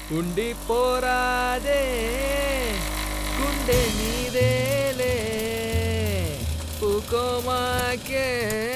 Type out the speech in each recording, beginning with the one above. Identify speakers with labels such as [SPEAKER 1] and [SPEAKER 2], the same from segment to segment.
[SPEAKER 1] ఉండిపోరాదే గుండె నీదేలే పూకోమాకే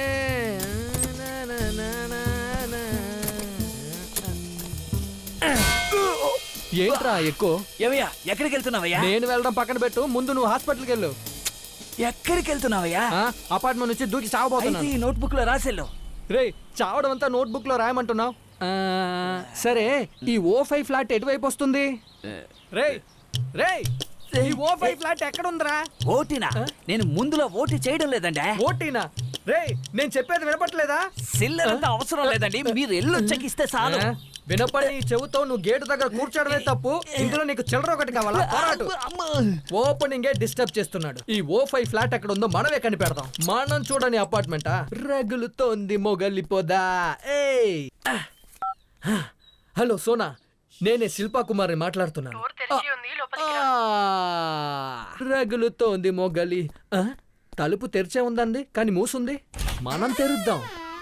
[SPEAKER 1] ఏంట్రా ఎక్కువ
[SPEAKER 2] ఏవయ్యా ఎక్కడికి వెళ్తున్నావయ్యా?
[SPEAKER 1] నేను వెళ్ళడం పక్కన పెట్టు, ముందు నువ్వు హాస్పిటల్కి వెళ్ళు.
[SPEAKER 2] ఎక్కడికి వెళ్తున్నావయ్యా?
[SPEAKER 1] అపార్ట్మెంట్ నుంచి దూకి చావబోతున్నా.
[SPEAKER 2] ఈ నోట్బుక్ లో రాసేళ్ళు.
[SPEAKER 1] రే చావడం అంతా నోట్బుక్ లో రాయమంటున్నావు. సరే ఈ O5 ఫ్లాట్ ఎటువైపు వస్తుంది? రే రే ఈ O5 ఫ్లాట్ ఎక్కడుందిరా?
[SPEAKER 2] ఓటీనా? నేను ముందులో ఓటీ చేయడం లేదండి.
[SPEAKER 1] ఓటీనా? రే నేను చెప్పేది వినపట్లేదా?
[SPEAKER 2] సిల్లర్ అంతా అవసరం లేదండి, మీరు ఎల్లొచ్చాక ఇస్తే చాలు.
[SPEAKER 1] వినపడి నీ చెవుతో నువ్వు గేటు దగ్గర కూర్చోడమే తప్పు, ఇందులో నీకు చిల్లర ఒకటి కావాలా? పోరాటు. ఓపెనింగే డిస్టర్బ్ చేస్తున్నాడు. ఈ O5 ఫ్లాట్ ఎక్కడ ఉందో మనమే కనిపెడదాం. మనం చూడని అపార్ట్మెంటా? రగులుతోంది మొగలిపోదా. ఏయ్ హలో సోనా, నేనే శిల్పా కుమార్ని మాట్లాడుతున్నాను. రగులుతోంది మొగలి. తలుపు తెరిచే ఉందండి, కానీ మూసుంది. మనం తెరుద్దాం.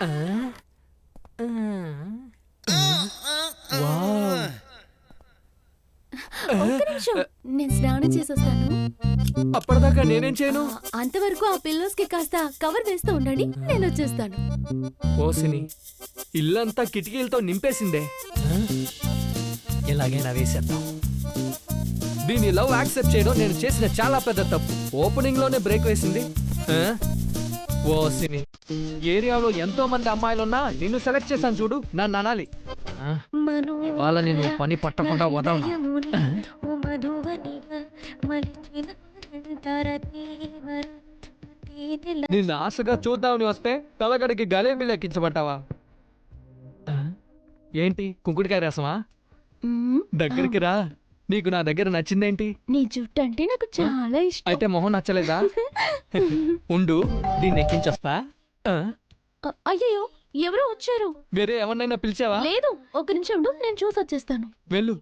[SPEAKER 3] నేను స్నానం చేసొస్తాను.
[SPEAKER 1] అప్పటిదాకా నేనేం చేయను?
[SPEAKER 3] అంతవరకు ఆ పిల్లోస్ కి కాస్త కవర్ వేస్తూ ఉండండి, నేను వచ్చేస్తాను.
[SPEAKER 1] ఓసిని ఇల్లంతా కిటికీలతో నింపేసిందే. ఎలాగైనా వేసేద్దాం. దీని లవ్ యాక్సెప్ట్ చేయడం నేను చేసిన చాలా పెద్ద తప్పు. ఓపెనింగ్ లోనే బ్రేక్ వేసింది. ఓసిని ఏరియాలో ఎంతో మంది అమ్మాయిలున్నా నిన్ను సెలెక్ట్ చేశాను చూడు, నన్ను అనాలి. వాళ్ళని నువ్వు పని పట్టకుండా వదలను. నిన్ను ఆశగా చూద్దామని వస్తే తలగడికి గలేబీ లెక్కించబట్టావా? ఏంటి కుంకుడికాయ రసమా? దగ్గరికి రా, నీకు నా దగ్గర నచ్చిందేంటి?
[SPEAKER 3] నీ జుట్టు అంటే నాకు చాలా ఇష్టం.
[SPEAKER 1] అయితే మొహం నచ్చలేదా? ఉండు, దీన్ని ఎక్కించొస్తా.
[SPEAKER 3] అయ్యో ఎవరో వచ్చారు.
[SPEAKER 1] వేరే ఎవరినైనా పిలిచావా?
[SPEAKER 3] లేదు, ఒక నిమిషం ఉండు, నేను చూసి వచ్చేస్తాను.
[SPEAKER 1] వెళ్ళు.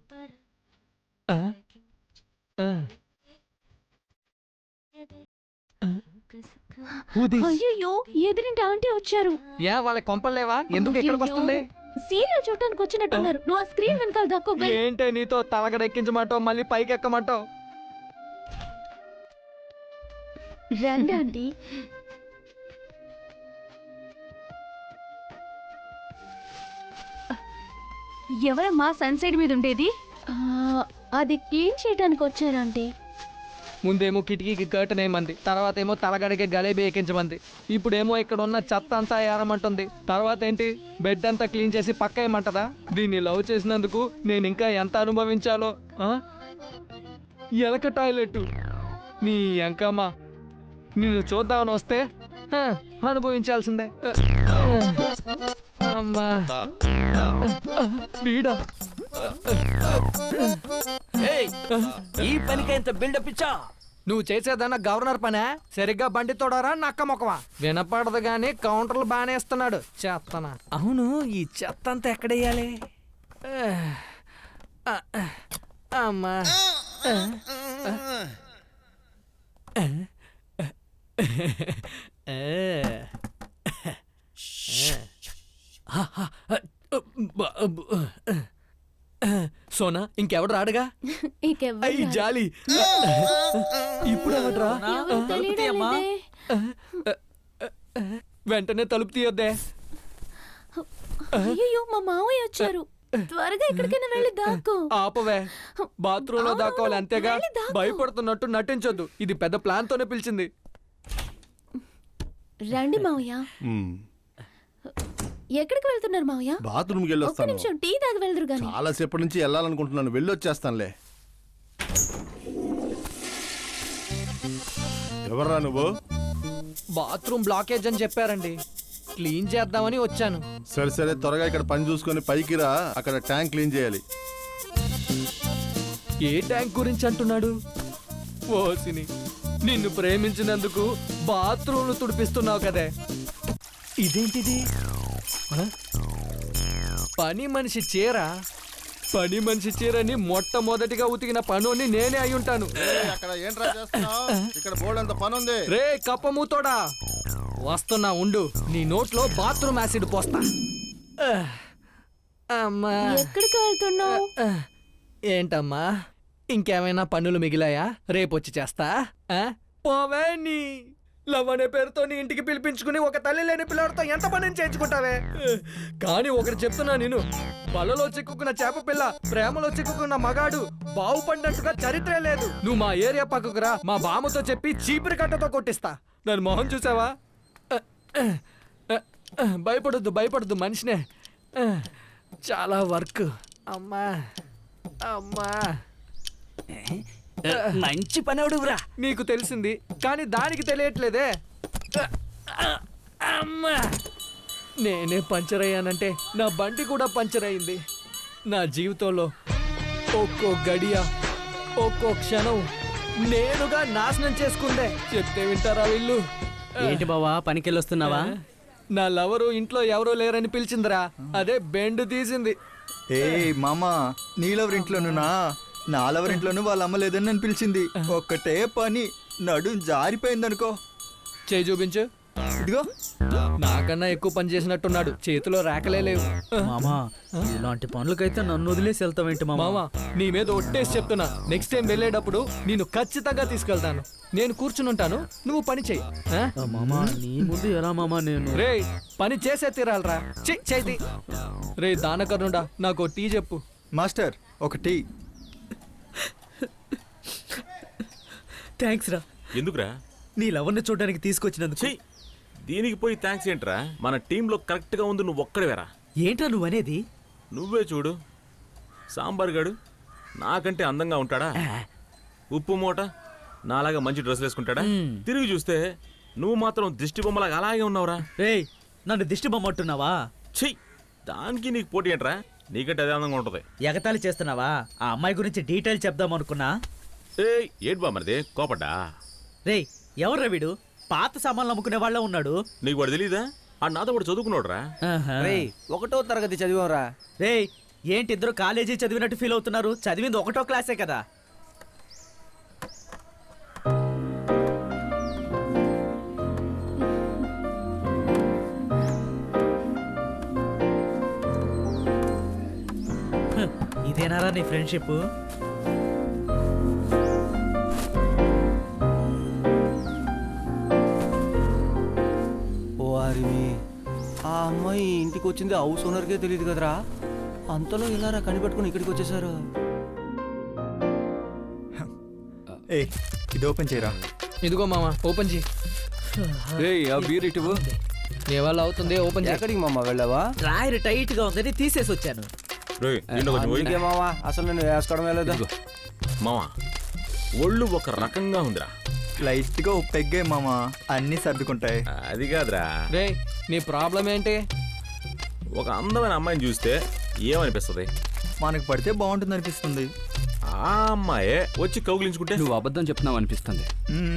[SPEAKER 3] అయ్యో ఎదురింటి ఆంటీ వచ్చారు.
[SPEAKER 1] యా వాళ్ళ కొంపలేవా? ఎందుకు ఇక్కడికి వస్తుంది?
[SPEAKER 3] సీరియల్ చూడటానికి వచ్చినట్టున్నారు. నువ్వు ఆ స్క్రీన్ వెనకాల దాక్కో.
[SPEAKER 1] ఏంటే నీతో తలగడ ఎక్కించమంటావు, మళ్ళీ పైకి ఎక్కమంటావు?
[SPEAKER 3] రండి ఆంటీ. ఎవరమ్మా సన్సైడ్ మీద ఉండేది? అది క్లీన్ చేయడానికి వచ్చారంటే.
[SPEAKER 1] ముందేమో కిటికీకి కర్టన్ వేయమంది, తర్వాత ఏమో తలగడికి గలేబీ ఎక్కించమంది, ఇప్పుడేమో ఇక్కడ ఉన్న చెత్త అంతా ఏరమంటుంది. తర్వాత ఏంటి, బెడ్ అంతా క్లీన్ చేసి పక్క వేయమంటదా? దీన్ని లవ్ చేసినందుకు నేను ఇంకా ఎంత అనుభవించాలో. ఎలక టాయిలెట్ నీ ఎంకమ్మా, నిన్ను చూద్దామని వస్తే అనుభవించాల్సిందే. అమ్మా వీడా,
[SPEAKER 2] ఈ పనికి ఎంత బిల్డప్ ఇచ్చా?
[SPEAKER 1] నువ్వు చేసేదన్నా గవర్నర్ పనే? సరిగ్గా బండి తోడరా నక్క మొక్కవా? వినపడదు గాని కౌంటర్లు బాగానే ఇస్తున్నాడు. చెత్తనా? అవును, ఈ చెత్త అంతా ఎక్కడేయాలి? అమ్మా సోనా, ఇంకెవడు రాడుగా? జాలి. ఇప్పుడు ఎవడ్రా? వెంటనే తలుపు తీయొద్దే.
[SPEAKER 3] అయ్యో మా మావయ్య వచ్చారు. త్వరగా ఎక్కడికైనా వెళ్ళి దాక్కో.
[SPEAKER 1] ఆపవే, బాత్రూమ్ లో దాక్కోవాలి అంతేగా. భయపడుతున్నట్టు నటించొద్దు. ఇది పెద్ద ప్లాన్ తోనే పిలిచింది.
[SPEAKER 3] రండి మావయ్య. ఎక్కడికి వెళ్తున్నారు మావయ్య?
[SPEAKER 4] బాత్రూమ్కి వెళ్ళొస్తాను.
[SPEAKER 3] ఒక్క నిమిషం టీ తాగి వెళ్దురు గాని.
[SPEAKER 4] చాలా సేపటి నుంచి వెళ్ళాలనుకుంటున్నాను, వెళ్ళొచ్చేస్తానులే. ఎవర్రా నువ్వు?
[SPEAKER 1] బాత్రూమ్ బ్లాకేజ్ అని చెప్పారండి, క్లీన్ చేద్దామని వచ్చాను.
[SPEAKER 4] సరే సరే, త్వరగా ఇక్కడ పని చూసుకొని పైకి రా, అక్కడ ట్యాంక్ క్లీన్ చేయాలి.
[SPEAKER 1] ఏ ట్యాంక్ గురించి అంటున్నాడు? ఓసిని, నిన్ను ప్రేమించినందుకు బాత్రూమ్లు తుడిపిస్తున్నావు కదే. ఇదేంటిది? పని మనిషి చీర. పని మనిషి చీరని మొట్టమొదటిగా ఉతికిన పనుని నేనే అయి ఉంటాను.
[SPEAKER 4] అక్కడ ఏంట్రా చేస్తున్నావ్? ఇక్కడ బోర్డంత పని ఉంది.
[SPEAKER 1] రే కప్పమూతోడా, వస్తున్నా ఉండు. నీ నోట్లో బాత్రూమ్ యాసిడ్ పోస్తా. అమ్మా,
[SPEAKER 3] ఎక్కడికి వెళ్తున్నావు?
[SPEAKER 1] ఏంటమ్మా ఇంకేమైనా పనులు మిగిలాయా రేపొచ్చి చేస్తా ఆ? పోవే నీ లవ్ అనే పేరుతో నీ ఇంటికి పిలిపించుకుని ఒక తల్లి లేని పిల్లడితో ఎంత పనిని చేయించుకుంటావే కానీ ఒకటి చెప్తున్నా నేను వలలో చిక్కుకున్న చేప పిల్ల ప్రేమలో చిక్కుకున్న మగాడు బాగుపడినట్టుగా చరిత్రే లేదు నువ్వు మా ఏరియా పక్కకు రా మా బామ్మతో చెప్పి చీపురి కట్టతో కొట్టిస్తా దాని మొహం చూసావా భయపడొద్దు మనిషినే చాలా వర్క్ అమ్మా అమ్మా
[SPEAKER 2] మంచి పని అవుడురా.
[SPEAKER 1] నీకు తెలిసింది కానీ దానికి తెలియట్లేదే అమ్మా నేనే పంచర్ అయ్యానంటే నా బండి కూడా పంచర్ అయింది నా జీవితంలో ఒక్కో గడియ ఒక్కో క్షణం నేనుగా నాశనం చేసుకుందే చెప్తే వింటారా వీళ్ళు
[SPEAKER 5] ఏంటి బావా పనికెళ్ళొస్తున్నావా?
[SPEAKER 1] నా లవరు ఇంట్లో ఎవరూ లేరని పిలిచిందిరా అదే బెండు తీసింది
[SPEAKER 6] ఏ మామా నీలెవరింట్లోనునా నాలెవరింట్లోనూ వాళ్ళ అమ్మ లేదని నన్ను పిలిచింది. ఒక్కటే పని నడుం జారిపోయిందనుకో.
[SPEAKER 1] చేయి చూపించు
[SPEAKER 6] ఇదిగో
[SPEAKER 1] నాకన్నా ఎక్కువ పని చేసినట్టున్నాడు చేతిలో రేకలే లేవు
[SPEAKER 5] మామా ఇలాంటి పనులకైతే నన్ను వదిలేసి వెళ్తావేంటి మామా?
[SPEAKER 1] మామా నీ మీద ఒట్టేసి చెప్తున్నా నెక్స్ట్ టైం వెళ్ళేటప్పుడు నేను ఖచ్చితంగా తీసుకెళ్తాను నేను కూర్చుని ఉంటాను నువ్వు పని చెయ్యి ఆ?
[SPEAKER 5] మామా నీ ముందు ఎలా మామా నేను?
[SPEAKER 1] రే పని చేసే తీరాలరా చేతి రే దానకర్ణుడా నాకు టీ చెప్పు
[SPEAKER 6] మాస్టర్ ఒక టీ.
[SPEAKER 5] థ్యాంక్స్ రా
[SPEAKER 7] ఎందుకురా?
[SPEAKER 5] నీ లవర్ని చూడడానికి తీసుకొచ్చినందుకు.
[SPEAKER 7] చెయ్యి దీనికి పోయి థ్యాంక్స్ ఏంట్రా? మన టీంలో కరెక్ట్గా ఉంది నువ్వు ఒక్కడివేరా.
[SPEAKER 5] ఏంట్రా నువ్వనేది?
[SPEAKER 7] నువ్వే చూడు సాంబార్ గాడు నాకంటే అందంగా ఉంటాడా? ఉప్పు మూట నాలాగా మంచి డ్రెస్ వేసుకుంటాడా? తిరిగి చూస్తే నువ్వు మాత్రం దిష్టి బొమ్మలాగా అలాగే ఉన్నావురా.
[SPEAKER 5] రేయ్ నన్ను దిష్టి బొమ్మంటున్నావా?
[SPEAKER 7] చెయ్యి దానికి నీకు పోటీ ఏంట్రా? నీకంటే అదే అందంగా ఉంటుంది.
[SPEAKER 5] ఎగతాళి చేస్తున్నావా? ఆ అమ్మాయి గురించి డీటెయిల్ చెప్దాం అనుకున్నా.
[SPEAKER 7] ఏంటి బా మరిది కోపడ్డా?
[SPEAKER 5] రేయ్ ఎవర్రా వీడు? పాత సామాన్లు అమ్ముకునే వాళ్ళ ఉన్నాడు.
[SPEAKER 7] నీకు వాడు తెలీదా? ఆ నాతో కూడా చదువుకున్నాడు రా.
[SPEAKER 2] రేయ్ 1వ తరగతి చదివారా?
[SPEAKER 5] రేయ్ ఏంటి ఇద్దరు కాలేజీ చదివినట్టు ఫీల్ అవుతున్నారు? చదివింది 1వ క్లాసే కదా. ఇదేనారా నీ ఫ్రెండ్షిప్?
[SPEAKER 2] ఆ అమ్మాయి ఇంటికి వచ్చింది హౌస్ ఓనర్కే తెలియదు కదరా. అంతలో ఇలా కనిపెట్టుకుని ఇక్కడికి వచ్చేసారు.
[SPEAKER 6] ఏ ఇది ఓపెన్ చేయరా.
[SPEAKER 1] ఇదిగో మామ ఓపెన్ చేయి నీ వల్ల అవుతుంది ఓపెన్ చేయి
[SPEAKER 2] ఎక్కడికి మామ వెళ్ళావా?
[SPEAKER 5] డ్రాయర్ టైట్ గా ఉందని తీసేసి వచ్చాను.
[SPEAKER 7] రేయ్, నిన్న కొంచెం పోయి.
[SPEAKER 2] అందుకే మావా అసలు నేను వేసుకోవడం లేదా?
[SPEAKER 7] మావా ఒళ్ళు ఒక రకంగా ఉందిరా.
[SPEAKER 6] లైట్ గా పెగ్గే మామా అన్ని సర్దుకుంటాయి.
[SPEAKER 7] అది కాదురా,
[SPEAKER 1] రే నీ ప్రాబ్లం ఏంటి?
[SPEAKER 7] ఒక అందమైన అమ్మాయిని చూస్తే ఏమనిపిస్తుంది?
[SPEAKER 6] మనకు పడితే బాగుంటుంది అనిపిస్తుంది.
[SPEAKER 7] ఆ అమ్మాయే వచ్చి కౌగిలించుకుంటే
[SPEAKER 8] నువ్వు అబద్ధం చెప్తున్నావు అనిపిస్తుంది.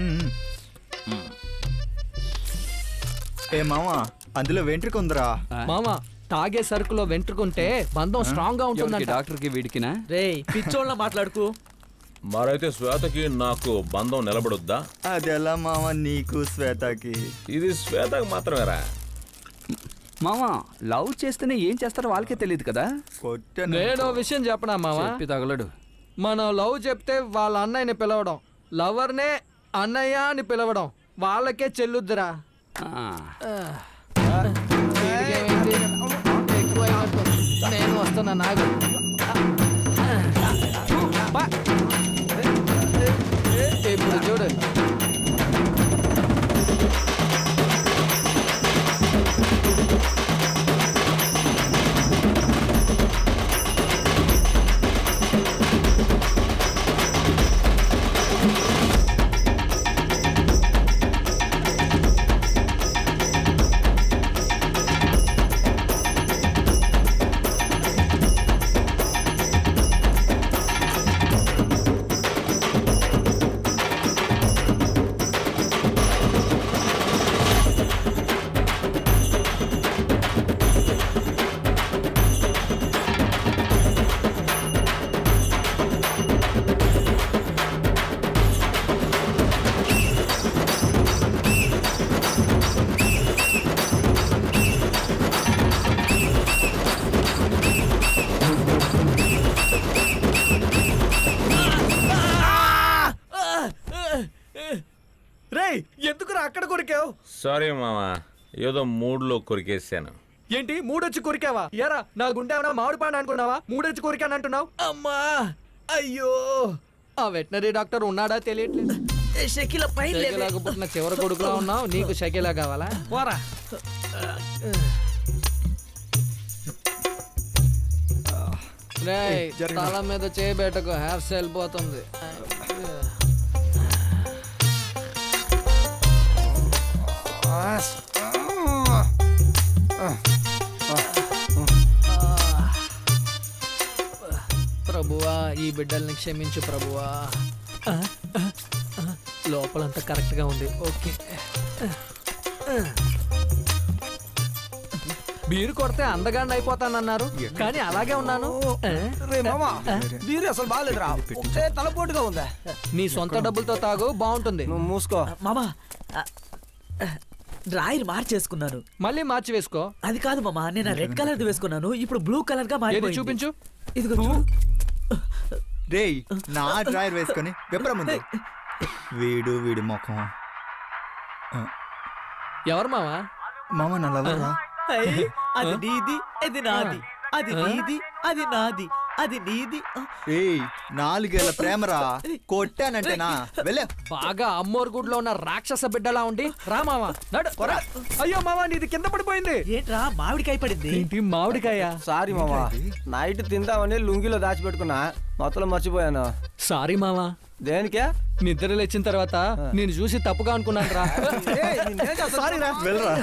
[SPEAKER 6] ఏ మామా అందులో వెంట్రుక ఉందిరా.
[SPEAKER 1] మామ తాగే సరుకులో వెంట్రుకుంటే బంధం స్ట్రాంగ్ గా ఉంటుందంట.
[SPEAKER 8] డాక్టర్కి వీడికినా?
[SPEAKER 5] రేయ్ పిచ్చోళ్ళ మాట్లాడుకు.
[SPEAKER 7] మరైతే శ్వేతకి నాకు బంధం నిలబడొద్దా?
[SPEAKER 6] అది ఎలా మామా నీకు శ్వేతకి?
[SPEAKER 7] ఇది శ్వేతకి మాత్రమేరా.
[SPEAKER 8] మామా లవ్ చేస్తేనే ఏం చేస్తారో వాళ్ళకే తెలియదు కదా.
[SPEAKER 6] కొట్టాను.
[SPEAKER 1] నేను విషయం చెప్పనా మామ
[SPEAKER 8] చెప్పి తగలడు.
[SPEAKER 1] మనం లవ్ చెప్తే వాళ్ళ అన్నయ్యని పిలవడం లవర్నే అన్నయ్య అని పిలవడం వాళ్ళకే చెల్లుద్దురా. నేను వస్తున్నా నాకు ఇప్పుడు చూడు అక్కడ కొరికావు?
[SPEAKER 7] సారీ మామా, ఏదో మూడ్లో కొరికేసాను.
[SPEAKER 1] ఏంటి మూడొచ్చి కొరికావా? ఎరా నా గుండె ఏమన్నా మామిడి పండు అనుకున్నావా? మూడొచ్చి కొరికాను అంటున్నావు. అమ్మా అయ్యో, ఆ వెటనరీ డాక్టర్ ఉన్నాడా తెలియట్లేదు. షకీలాగా పుట్టిన చివరి కొడుకులా ఉన్నావు, నీకు షకీలా కావాలా?
[SPEAKER 5] పోరా.
[SPEAKER 1] రేయ్, తల మీద చేయబెట్టకు, హెయిర్ స్టైల్ పోతుంది. ప్రభువా, ఈ బిడ్డల్ని క్షమించు ప్రభువా. లోపలంతా కరెక్ట్ గా ఉంది. ఓకే, మీరు కొడితే అందగాండి అయిపోతానన్నారు, కానీ అలాగే ఉన్నాను.
[SPEAKER 2] బీరు అసలు బాగాలేదురా, ఒకటే తలపోటుగా ఉందా.
[SPEAKER 1] నీ సొంత డబ్బులతో తాగు, బాగుంటుంది.
[SPEAKER 2] నువ్వు మూసుకో.
[SPEAKER 5] మామా డ్రాయర్ మార్చేసుకున్నాను.
[SPEAKER 1] మళ్ళీ మార్చి వేసుకో.
[SPEAKER 5] అది కాదు మామా, నేను రెడ్ కలర్ వేసుకున్నాను, ఇప్పుడు బ్లూ కలర్ గా
[SPEAKER 1] ఏది
[SPEAKER 5] మారిపోయింది.
[SPEAKER 1] చూపించు.
[SPEAKER 5] ఇదిగో చూడు.
[SPEAKER 6] రేయ్, నా డ్రాయర్ వేసుకొని విప్ర ముందు. వీడి ముఖం.
[SPEAKER 1] ఎవరు మావా?
[SPEAKER 6] మామ నా లవర్రా.
[SPEAKER 5] అయ్, అది నీది, అది నాది. అది నీది, అది నాది. అది నీది.
[SPEAKER 6] ఏయ్, 4 ఏళ్ల ప్రేమరా, కొట్టానంటేనా వెళ్ళే.
[SPEAKER 1] బాగా అమ్మోరు గుడిలో ఉన్న రాక్షస బిడ్డలా ఉండి రా మావా, నడు. అయ్యో మావా, నీది కింద పడిపోయింది.
[SPEAKER 5] ఏంట్రా మామిడికాయ పడింది?
[SPEAKER 1] ఏంటి మామిడికాయ?
[SPEAKER 2] సారీ మామా, నైట్ తిందామని లుంగిలో దాచిపెట్టుకున్నా, మొత్తం మర్చిపోయాను.
[SPEAKER 1] సారీ మావా.
[SPEAKER 2] దేనికే?
[SPEAKER 1] నిద్ర లేచిన తర్వాత నేను చూసి తప్పుగా అనుకున్నాను రా.
[SPEAKER 2] వెళ్ళరా.